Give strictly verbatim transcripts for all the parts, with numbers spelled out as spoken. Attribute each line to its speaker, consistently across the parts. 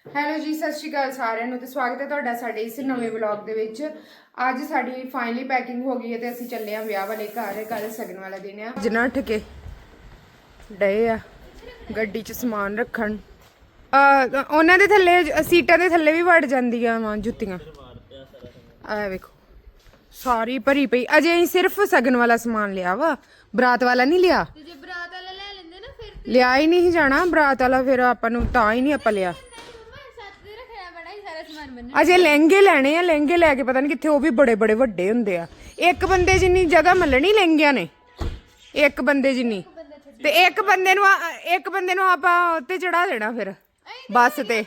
Speaker 1: Hello ਜੀ, ਸਤਿ ਸ਼੍ਰੀ ਅਕਾਲ ਸਾਰਿਆਂ ਨੂੰ ਤੇ ਸਵਾਗਤ ਹੈ ਤੁਹਾਡਾ ਸਾਡੇ ਇਸ ਨਵੇਂ ਵਲੌਗ ਦੇ ਵਿੱਚ। ਅੱਜ ਸਾਡੀ ਫਾਈਨਲੀ ਪੈਕਿੰਗ ਹੋ ਗਈ ਹੈ ਤੇ ਅਸੀਂ ਚੱਲੇ ਆ ਵਿਆਹ ਵਾਲੇ ਘਰ। ਕੱਲ ਸਗਨ ਵਾਲਾ ਦਿਨ ਆ। ਜਨਾ ਉੱਠ ਕੇ ਡਏ ਆ ਗੱਡੀ 'ਚ ਸਮਾਨ ਰੱਖਣ। ਉਹਨਾਂ ਦੇ ਥੱਲੇ ਸੀਟਾਂ ਦੇ ਥੱਲੇ ਵੀ ਵੜ ਜਾਂਦੀਆਂ ਵਾ ਜੁੱਤੀਆਂ। ਆ ਵੇਖੋ ਸਾਰੀ ਭਰੀ ਪਈ। ਅਜੇ ਅਸੀਂ ਸਿਰਫ ਸਗਨ ਵਾਲਾ ਸਮਾਨ ਲਿਆ ਵਾ, ਬਰਾਤ ਵਾਲਾ ਨਹੀਂ ਲਿਆ।
Speaker 2: ਜੇ ਬਰਾਤ ਵਾਲਾ ਲੈ ਲੈਂਦੇ ਨਾ ਫਿਰ
Speaker 1: ਲਿਆ ਹੀ ਨਹੀਂ ਜਾਣਾ ਬਰਾਤ ਵਾਲਾ, ਫਿਰ ਆਪਾਂ ਨੂੰ ਤਾਂ ਹੀ ਨਹੀਂ ਆਪਾਂ ਲਿਆ। ਅਜੇ ਲਹਿੰਗੇ ਲੈਣੇ ਆ, ਲਹਿੰਗੇ ਲੈ ਕੇ ਪਤਾ ਨਹੀਂ ਕਿੱਥੇ, ਉਹ ਵੀ ਬੜੇ ਬੜੇ ਵੱਡੇ ਹੁੰਦੇ ਆ। ਇੱਕ ਬੰਦੇ ਜਿੰਨੀ ਜਗ੍ਹਾ ਮੱਲਣੀ ਲਹਿੰਗਿਆਂ ਨੇ, ਇੱਕ ਬੰਦੇ ਜਿੰਨੀ। ਤੇ ਇੱਕ ਬੰਦੇ ਨੂੰ ਇੱਕ ਬੰਦੇ ਨੂੰ ਆਪਾਂ ਉੱਤੇ ਚੜਾ ਦੇਣਾ ਫਿਰ ਬੱਸ ਤੇ।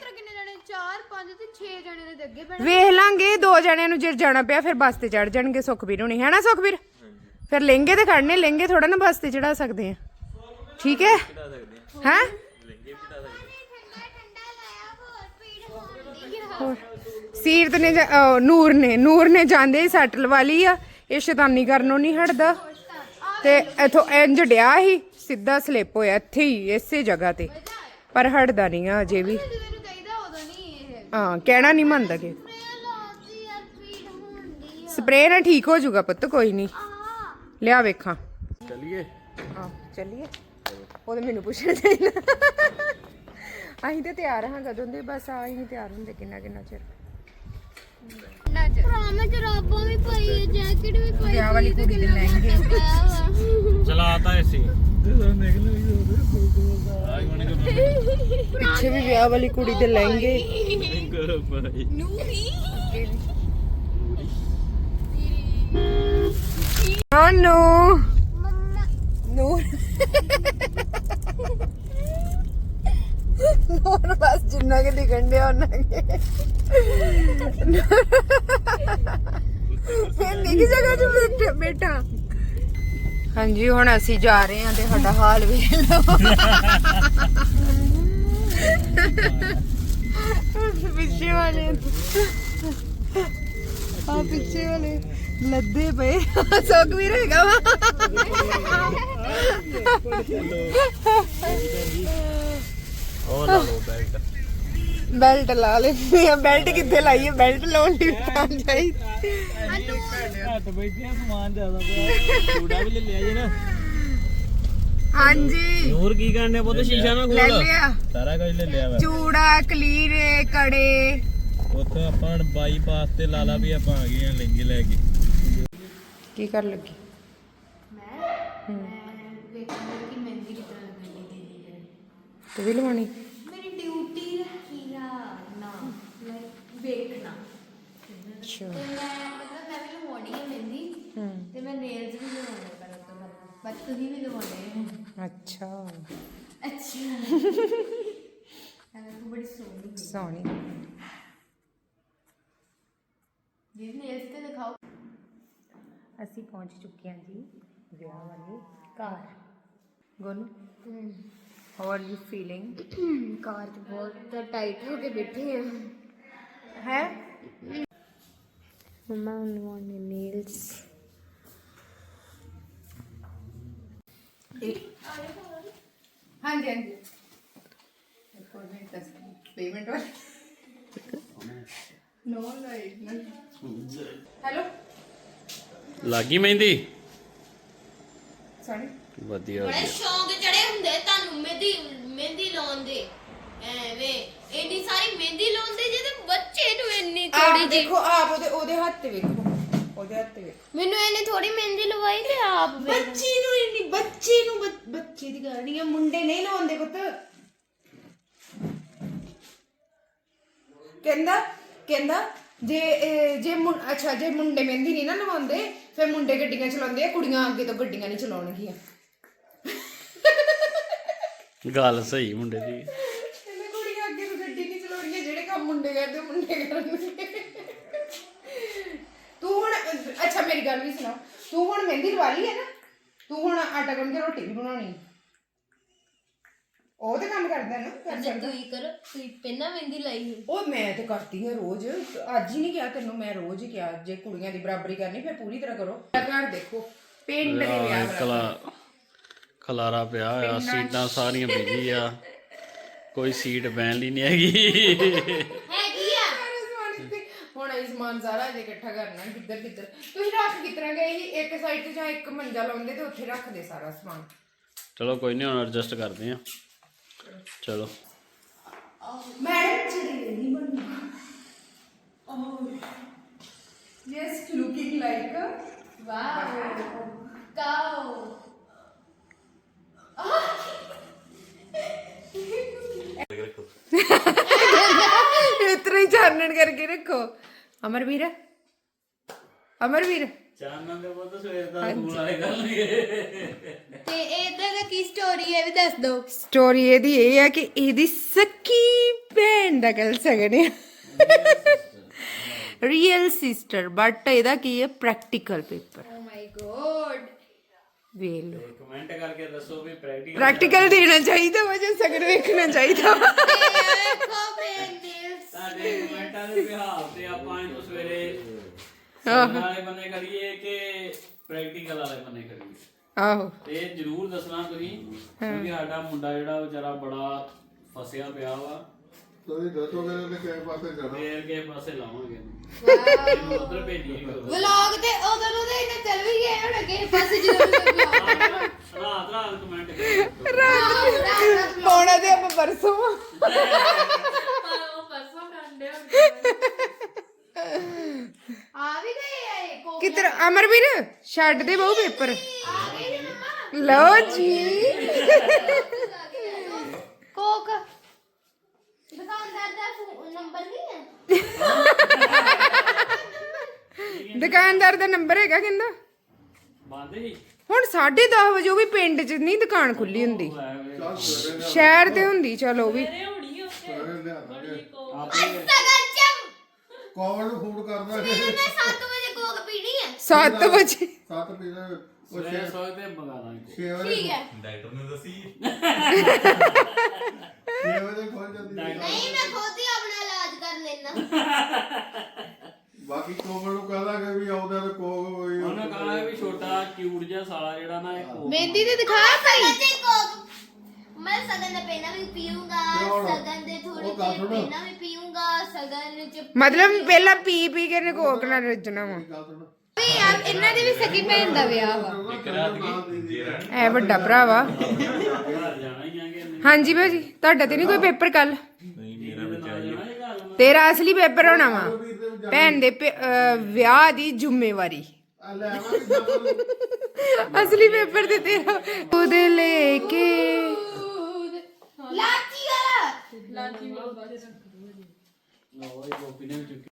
Speaker 1: ਵੇਖ ਲਾਂਗੇ ਦੋ ਜਣਿਆਂ ਨੂੰ ਜੇ ਜਾਣਾ ਪਿਆ ਫਿਰ ਬੱਸ ਤੇ ਚੜ ਜਾਣਗੇ ਸੁਖਬੀਰ ਹੋਣੀ, ਹੈ ਨਾ ਸੁਖਬੀਰ? ਫਿਰ ਲਹਿੰਗੇ ਤੇ ਖੜਨੇ, ਲਹਿੰਗੇ ਥੋੜਾ ਨਾ ਬੱਸ ਤੇ ਚੜਾ ਸਕਦੇ ਆ। ਠੀਕ ਹੈ ਹੈ। ਸੀਰਤ ਨੇ ਨੂਰ ਨੇ ਨੂਰ ਨੇ ਜਾਂਦੇ ਹੀ ਸੱਟ ਲਵਾ ਲਈ ਆ। ਇਹ ਸ਼ੈਤਾਨੀ ਕਰਨੋਂ ਨਹੀਂ ਹਟਦਾ ਤੇ ਇਥੋਂ ਇੰਜ ਡਿਆ ਸੀ, ਸਿੱਧਾ ਸਲਿੱਪ ਹੋਇਆ ਇੱਥੇ ਹੀ ਇਸੇ ਜਗ੍ਹਾ ਤੇ, ਪਰ ਹਟਦਾ ਨਹੀਂ ਆ ਅਜੇ ਵੀ। ਹਾਂ ਕਹਿਣਾ ਨਹੀਂ ਮੰਨਦਾ ਕਿ ਸਪਰੇਅ ਨਾਲ ਠੀਕ ਹੋ ਜਾਊਗਾ ਪੁੱਤ, ਕੋਈ ਨਹੀਂ ਲਿਆ ਵੇਖਾਂ।
Speaker 3: ਚੱਲੀਏ
Speaker 1: ਹਾਂ ਚੱਲੀਏ। ਉਹ ਤਾਂ ਮੈਨੂੰ ਪੁੱਛਣਾ ਚਾਹੀਦਾ। ਅਸੀਂ ਤੇ ਤਿਆਰ ਹਾਂ ਕਦੋਂ ਦੇ, ਬਸ ਆ ਹੀ ਨਹੀਂ ਤਿਆਰ ਹੁੰਦੇ ਕਿੰਨਾ ਕਿੰਨਾ ਚਿਰ।
Speaker 2: ਭਰਾਵਾਂ ਜਰਾਬਾਂ ਵੀ ਪਾਈ ਹੈ, ਜੈਕਟ ਵੀ ਪਾਈ।
Speaker 1: ਵਿਆਹ ਵਾਲੀ ਕੁੜੀ ਦੇ ਲਹਿੰਗੇ
Speaker 3: ਚਲਾਤਾ ਐਸੀ
Speaker 1: ਪਿੱਛੇ ਵੀ ਵਿਆਹ ਵਾਲੀ ਕੁੜੀ ਦੇ ਲਹਿੰਗੇ। ਹਾਂ ਨੋ ਨੂਰ ਨੂਰ ਬਸ ਜਿੰਨਾ ਕਿ ਦਿਖਣ ਡਿਆ ਉਹਨਾਂ ਕੇ ਇੰਨੀ ਕੀ ਜਗ੍ਹਾ 'ਚ ਬੈਠਾ ਬੈਠਾ। ਹਾਂਜੀ ਹੁਣ ਅਸੀਂ ਜਾ ਰਹੇ ਹਾਂ ਤੇ ਸਾਡਾ ਹਾਲ ਵੇਖ ਲਓ। ਪਿੱਛੇ ਵਾਲੇ ਆ ਪਿੱਛੇ ਵਾਲੇ ਲੱਦੇ ਪਏ। ਸੁੱਖ ਵੀ ਰਹੇਗਾ ਵਾ।
Speaker 3: ਉਹ ਲਾ ਲਓ ਬੈਲਟ।
Speaker 1: ਬੈਲਟ ਲਾ ਲੈਂਦੇ ਆ। ਬੈਲਟ ਕਿੱਥੇ ਲਾਈਏ? ਬੈਲਟ ਲਾਉਣ ਦੀ ਤਾਂ ਚਾਹੀਦੀ।
Speaker 3: ਘੱਟ ਬੈਠਿਆ ਸਮਾਨ ਜ਼ਿਆਦਾ ਪਿਆ। ਚੂੜਾ ਵੀ ਲੈ ਲਿਆ ਜੇ ਨਾ।
Speaker 1: ਹਾਂਜੀ
Speaker 3: ਨੂਰ ਕੀ ਕਰਨੇ ਪੁੱਤ? ਸ਼ੀਸ਼ਾ ਨਾ
Speaker 1: ਲੈ
Speaker 3: ਖੋਲ।
Speaker 1: ਲਿਆ
Speaker 3: ਸਾਰਾ ਕੁਝ ਲੈ ਲਿਆ ਵਾ।
Speaker 1: ਚੂੜਾ, ਕਲੀਰੇ, ਕੜੇ।
Speaker 3: ਉੱਥੇ ਆਪਾਂ ਬਾਈਪਾਸ ਤੇ ਲਾ ਲਾ ਵੀ ਆਪਾਂ ਆ ਗਏ ਆ ਲਹਿੰਗੇ ਲੈ ਕੇ।
Speaker 1: ਕੀ ਕਰ ਲੱਗੀ?
Speaker 2: ਮੈਂ ਵੇਖਣਾ ਕਿ ਮਹਿੰਦੀ ਕਿਤਨਾ ਲੱਗਣੀ ਦੀਦੀ ਹੈ।
Speaker 1: ਤੂੰ ਵੀ ਲਵਾਣੀ?
Speaker 2: ਮੇਰੀ ਡਿਊਟੀ ਰੱਖੀ ਆ ਨਾ ਲਾਈਕ ਵੇਖਣਾ।
Speaker 1: ਅੱਛਾ।
Speaker 2: ਤੇ ਮੈਂ ਮਤਲਬ ਮੈਂ ਵੀ ਲਵਾਉਣੀ ਹੈ ਮਹਿੰਦੀ
Speaker 1: ਹੂੰ
Speaker 2: ਤੇ ਮੈਂ ਨੇਲਸ ਵੀ ਲਵਾਉਣੇ ਪਰ ਉਸ ਤੋਂ ਬਾਅਦ ਬਸ ਤੁਸੀਂ ਵੀ ਲਵਾਉਣੇ।
Speaker 1: ਅੱਛਾ
Speaker 2: ਅੱਛਾ ਤੂੰ ਬੜੀ ਸੋਹਣੀ
Speaker 1: ਸੋਹਣੀ।
Speaker 2: ਜੀ ਨੇਲਸ ਤੇ ਦਿਖਾਓ।
Speaker 1: ਅਸੀਂ ਪਹੁੰਚ ਚੁੱਕੇ ਹਾਂ ਜੀ ਵਿਆਹ ਵਾਲੇ ਘਰ। Gonu how are you feeling?
Speaker 2: Car ਚ ਬਹੁਤ ਟਾਈਟ ਹੋ ਕੇ ਬੈਠੇ ਆ।
Speaker 1: ਹੈ
Speaker 2: ਮਮਾ ਲਵਾਉਣੇ ਨੇਲਸ।
Speaker 1: ਹਾਂਜੀ ਹਾਂਜੀ ਪੇਮੈਂਟ ਵਾਲੀ ਨੋ ਲਾਈਟ ਹੈਲੋ
Speaker 3: ਲੱਗੀ ਮਹਿੰਦੀ?
Speaker 1: ਸੋਰੀ
Speaker 3: ਵਧੀਆ
Speaker 2: ਬੜੇ ਸ਼ੌਂਕ ਚੜੇ ਹੁੰਦੇ ਤੁਹਾਨੂੰ ਮਹਿੰਦੀ ਮਹਿੰਦੀ ਲਾਉਣ ਦੇ। ਐਵੇਂ ਇੰਨੀ ਸਾਰੀ ਮਹਿੰਦੀ ਲਾਉਂਦੇ ਜੇ ਤੇ ਬੱਚੇ ਨੂੰ ਇੰਨੀ
Speaker 1: ਆਪ
Speaker 2: ਥੋੜੀ ਜਿਹੀ।
Speaker 1: ਦੇਖੋ ਆਪ ਉਹਦੇ ਉਹਦੇ ਹੱਥ ਤੇ ਵੇਖੋ, ਉਹਦੇ ਹੱਥ ਤੇ ਵੇਖੋ।
Speaker 2: ਮੈਨੂੰ ਇਹਨੇ ਥੋੜੀ ਮਹਿੰਦੀ ਲਵਾਈ ਤੇ ਆਪ ਵੇਖ।
Speaker 1: ਬੱਚੀ ਨੂੰ ਇੰਨੀ ਬੱਚੀ ਨੂੰ ਬੱਚ- ਬੱਚੀ ਦੀ ਗੱਲ ਨਹੀਂ ਆ, ਮੁੰਡੇ ਨਹੀਂ ਲਾਉਂਦੇ ਪੁੱਤ। ਕਹਿੰਦਾ ਕਹਿੰਦਾ ਜੇ ਇਹ- ਜੇ ਮੁੰ- ਅੱਛਾ ਜੇ ਮੁੰਡੇ ਮਹਿੰਦੀ ਨਹੀਂ ਨਾ ਲਵਾਉਂਦੇ ਫਿਰ ਮੁੰਡੇ ਗੱਡੀਆਂ ਚਲਾਉਂਦੇ ਆ, ਕੁੜੀਆਂ ਅੱਗੇ ਤੋਂ ਗੱਡੀਆਂ ਨਹੀਂ ਚਲਾਉਣਗੀਆਂ।
Speaker 3: ਗੱਲ ਸਹੀ ਮੁੰਡੇ ਦੀ।
Speaker 1: ਕਹਿੰਦਾ ਕੁੜੀਆਂ ਅੱਗੇ ਤੋਂ ਗੱਡੀ ਨਹੀਂ ਚਲਾਉਣਗੀਆਂ, ਜਿਹੜੇ ਕੰਮ ਮੁੰਡੇ ਕਰਦੇ ਉਹ ਮੁੰਡੇ ਕਰਨਗੇ। ਤੂੰ ਹੁਣ ਅੱਛਾ ਮੇਰੀ ਗੱਲ ਵੀ ਸੁਣਾ। ਤੂੰ ਹੁਣ ਮਹਿੰਦੀ ਲਵਾ ਲਈ ਹੈ ਨਾ? ਤੂੰ ਹੁਣ ਆਟਾ ਗੁੰਨ ਕੇ ਰੋਟੀ ਵੀ ਬਣਾਉਣੀ। ਉਹ ਤੇ ਕੰਮ ਕਰਦਾ ਨਾ, ਕਰ ਸਕਦਾ।
Speaker 2: ਤੂੰ ਕਰ ਤੂੰ ਪਹਿਲਾਂ ਮਹਿੰਦੀ ਲਾਈ।
Speaker 1: ਉਹ ਮੈਂ ਤੇ ਕਰਦੀ ਹਾਂ ਰੋਜ਼। ਅੱਜ ਹੀ ਨਹੀਂ ਕਿਹਾ ਤੈਨੂੰ, ਮੈਂ ਰੋਜ਼ ਹੀ ਕਿਹਾ ਜੇ ਕੁੜੀਆਂ ਦੀ ਬਰਾਬਰੀ ਕਰਨੀ ਫਿਰ ਪੂਰੀ ਤਰ੍ਹਾਂ ਕਰੋ। ਘਰ ਦੇਖੋ ਪਿੰਡ ਦੇ ਵਿਆਹ
Speaker 3: ਕਲਾ ਖਲਾਰਾ ਪਿਆ ਹੋਇਆ, ਸੀਟਾਂ ਸਾਰੀਆਂ ਬਿਜੀ ਆ। ਕੋਈ ਸੀਟ ਬੈਣ ਲਈ ਨਹੀਂ ਹੈਗੀ
Speaker 2: ਹੈਗੀ ਆ
Speaker 1: ਸਾਰੇ ਸਮਾਨ ਇੱਥੇ ਹੁਣ ਇਹ ਸਮਾਨ ਸਾਰਾ ਅਜੇ ਇਕੱਠਾ ਕਰਨਾ ਕਿੱਧਰ ਕਿੱਧਰ ਤੁਸੀਂ ਰੱਖ ਕਿਸ ਤਰ੍ਹਾਂ ਗਏ ਸੀ ਇੱਕ ਸਾਈਡ ਤੇ ਜਾਂ ਇੱਕ ਮੰਜਾ ਲਾਉਂਦੇ ਤੇ ਉੱਥੇ ਰੱਖਦੇ ਸਾਰਾ ਸਮਾਨ
Speaker 3: ਚਲੋ ਕੋਈ ਨਹੀਂ ਹੁਣ ਐਡਜਸਟ ਕਰਦੇ ਆ ਚਲੋ
Speaker 1: ਮੈਡਮ ਚੜੀ ਨਹੀਂ ਬਣਨਾ ਜਸਟ ਲੁਕਿੰਗ ਲਾਈਕ
Speaker 2: ਵਾਓ ਕਾਓ
Speaker 1: ਇਤਨਾ ਹੀ ਚਾਨਣ ਕਰਕੇ ਰੱਖੋ ਅਮਰਵੀਰ ਅਮਰਵੀਰ
Speaker 3: ਚਾਨਣ ਦੇ ਬਹੁਤ ਸਵੇਰ ਦਾ ਸਕੂਲ ਵਾਲੇ ਕਰਨਗੇ
Speaker 2: ਤੇ ਇਹਦਾ ਦਾ ਕੀ ਸਟੋਰੀ ਹੈ ਵੀ ਦੱਸ ਦਿਓ
Speaker 1: ਸਟੋਰੀ ਇਹਦੀ ਇਹ ਹੈ ਕਿ ਇਹਦੀ ਸੱਕੀ ਭੈਣ ਦਾ ਕੱਲ ਸਗਨ ਹੈ ਰੀਅਲ ਸਿਸਟਰ ਬਟ ਇਹਦਾ ਕੀ ਹੈ practical paper
Speaker 2: oh my god
Speaker 1: ਵੇਖ ਲਓ
Speaker 3: ਕਮੈਂਟ ਕਰਕੇ ਦੱਸੋ ਵੀ ਪ੍ਰੈਕਟੀਕਲ
Speaker 1: ਪ੍ਰੈਕਟੀਕਲ ਦੇਣਾ ਚਾਹੀਦਾ ਵਾ ਜਾਂ ਸਗਨ ਵੇਖਣਾ ਚਾਹੀਦਾ ਵਾ।
Speaker 2: ਦੇਖੋ ਬੇਨਿਸ
Speaker 3: ਸਾਡੇ ਕਮੈਂਟਾਂ ਦੇ ਬਿਹਾਰ ਤੇ ਆਪਾਂ ਇਹਨੂੰ ਸਵੇਰੇ ਸਗਨ ਵਾਲੇ ਬੰਨੇ ਕਰੀਏ ਕਿ ਪ੍ਰੈਕਟੀਕਲ ਵਾਲੇ ਬੰਨੇ ਕਰੀਏ
Speaker 1: ਆਹੋ
Speaker 3: ਤੇ ਇਹ ਜ਼ਰੂਰ ਦੱਸਣਾ ਤੁਸੀਂ ਕਿਉਂਕਿ ਸਾਡਾ ਮੁੰਡਾ ਜਿਹੜਾ ਵਿਚਾਰਾ ਬੜਾ ਫਸਿਆ ਪਿਆ ਵਾ
Speaker 4: ਤੁਸੀਂ ਦੱਸੋਗੇ ਤੇ ਕਿਹੜੇ ਪਾਸੇ ਜਾਣਾ
Speaker 3: ਫੇਰ ਕਿਸੇ ਪਾਸੇ ਲਾਵਾਂਗੇ ਇਹਨੂੰ ਉਧਰ ਭੇਜੀਏ ਕਰੋ
Speaker 2: ਵਲੌਗ ਤੇ ਉਦੋਂ ਨੂੰ ਤੇ ਇਹਨੇ ਚੱਲ ਵੀ ਗਏ ਹੁਣ ਅੱਗੇ ਪਾਸੇ ਜਦੋਂ ਵਲੌਗ
Speaker 3: ਰਾਤ ਰਾਤ ਕਮੈਂਟ ਕਰੋ
Speaker 1: ਪਾਉਣਾ ਤੇ ਆਪਾਂ ਪਰਸੋਂ ਆ।
Speaker 2: ਆ ਵੀ ਗਏ ਆ ਇਹ ਕੋਕ
Speaker 1: ਕਿੱਧਰ ਅਮਰਵੀਰ ਛੱਡ ਦੇ ਬਹੁ ਪੇਪਰ
Speaker 2: ਆ ਗਏ ਜੀ ਮੰਮਾ
Speaker 1: ਲਓ ਜੀ
Speaker 2: ਕੋਕ ਦੁਕਾਨਦਾਰ ਦਾ ਫੋ- ਨੰਬਰ ਨਹੀਂ ਹੈ
Speaker 1: ਦੁਕਾਨਦਾਰ ਦਾ ਨੰਬਰ ਹੈਗਾ ਕਹਿੰਦਾ
Speaker 3: ਬੰਦ ਹੀ
Speaker 1: ਹੁਣ ਸਾਢੇ ਦਸ ਵਜੇ ਉਹ ਵੀ ਪਿੰਡ 'ਚ ਨਹੀਂ ਦੁਕਾਨ ਖੁੱਲੀ ਹੁੰਦੀ
Speaker 4: ਚੱਲ ਸਵੇਰੇ ਲਿਆ
Speaker 1: ਸ਼ਹਿਰ ਤੇ ਹੁੰਦੀ ਚਲੋ ਵੀ
Speaker 4: ਸਵੇਰੇ ਲਿਆ ਦਾਂਗੇ
Speaker 3: ਆਪੇ
Speaker 2: ਸਗਨ ਚ
Speaker 4: ਕੌਣ ਨੂੰ ਫੋਨ ਕਰਦਾ
Speaker 2: ਮੈਂ ਸੱਤ ਵਜੇ ਕੋਕ ਪੀਣੀ ਹੈ
Speaker 1: ਸੱਤ ਵਜੇ
Speaker 4: ਸੱਤ ਪੀਣਾ ਉਹ
Speaker 3: ਸਵੇਰੇ ਸੋਚਦੇ ਮੰਗਾ ਦਾਂਗੇ
Speaker 4: ਛੇ ਵਜੇ
Speaker 2: ਠੀਕ ਹੈ
Speaker 4: ਛੇ ਵਜੇ ਖੋਲ ਜਾਂਦੀ ਹੈ।
Speaker 2: ਨਹੀਂ ਮੈਂ ਖੁਦ ਹੀ ਆਪਣਾ ਇਲਾਜ ਕਰ ਲੈਣਾ
Speaker 4: ਬਾਕੀ ਕੋਮਲ ਨੂੰ ਕਹਾਂਗੇ ਵੀ ਆਉਂਦਾ ਤੇ ਕੋਕ ਹੋਈ
Speaker 3: ਉਹਨੇ ਕਹਣਾ ਵੀ ਛੋਟਾ ਕਿਊਟ ਜਿਹਾ ਸਾਲਾ ਜਿਹੜਾ ਨਾ ਇਹ ਕੋਕ
Speaker 2: ਮਹਿੰਦੀ ਤੇ ਦਿਖਾ ਸਹੀ ਤੇ ਕੋਕ ਮੈਂ ਸਗਨ ਦਾ ਪਹਿਲਾਂ ਵੀ ਪੀਊਂਗਾ
Speaker 4: ਕਿਉਂ?
Speaker 2: ਸਗਨ ਦੇ ਥੋੜੀ
Speaker 4: ਉਹ ਗੱਲ
Speaker 2: ਦੇਰ
Speaker 4: ਸੁਣੋ।
Speaker 2: ਪਹਿਲਾਂ ਵੀ ਪੀਊਂਗਾ ਸਗਨ ਚ
Speaker 1: ਮਤਲਬ ਪਹਿਲਾਂ ਪੀ ਪੀ ਕੇ ਕੋਕ ਨਾਲ ਰੱਜਣਾ ਵਾ
Speaker 4: ਗੱਲ ਸੁਣ
Speaker 2: ਵੀ ਯਾਰ ਇਹਨਾਂ ਦੀ ਵੀ ਸਕੀ ਭੈਣ ਦਾ ਵਿਆਹ ਵਾ
Speaker 1: ਐ ਵੱਡਾ ਭਰਾ ਵਾ
Speaker 3: ਘਰ ਜਾਣਾ ਹੀ ਆਂਗੇ ਇਹਨੇ
Speaker 1: ਹਾਂਜੀ ਭਾਜੀ ਤੁਹਾਡਾ ਤੇ ਨਹੀਂ ਕੋਈ ਪੇਪਰ ਕੱਲ
Speaker 3: ਇਹਦੇ ਨਾਲ ਜਾਣਾ ਇਹ ਘਰ ਨੂੰ।
Speaker 1: ਤੇਰਾ ਅਸਲੀ ਪੇਪਰ ਹੋਣਾ ਵਾ ਭੈਣ ਦੇ ਪੇ- ਅਹ ਵਿਆਹ ਦੀ ਜ਼ਿੰਮੇਵਾਰੀ
Speaker 4: ਆ ਲੈ ਆਵਾਂਗੇ ਜਦ
Speaker 1: ਅਸਲੀ ਪੇਪਰ ਤੇ ਤੇਰਾ ਉਹਦੇ ਲੈ ਕੇ
Speaker 2: ਲਾਚੀ ਵਾਲਾ
Speaker 3: ਲਓ ਇਹ ਗੋਪੀ ਨੇ ਵੀ ਚੁੱਕੀ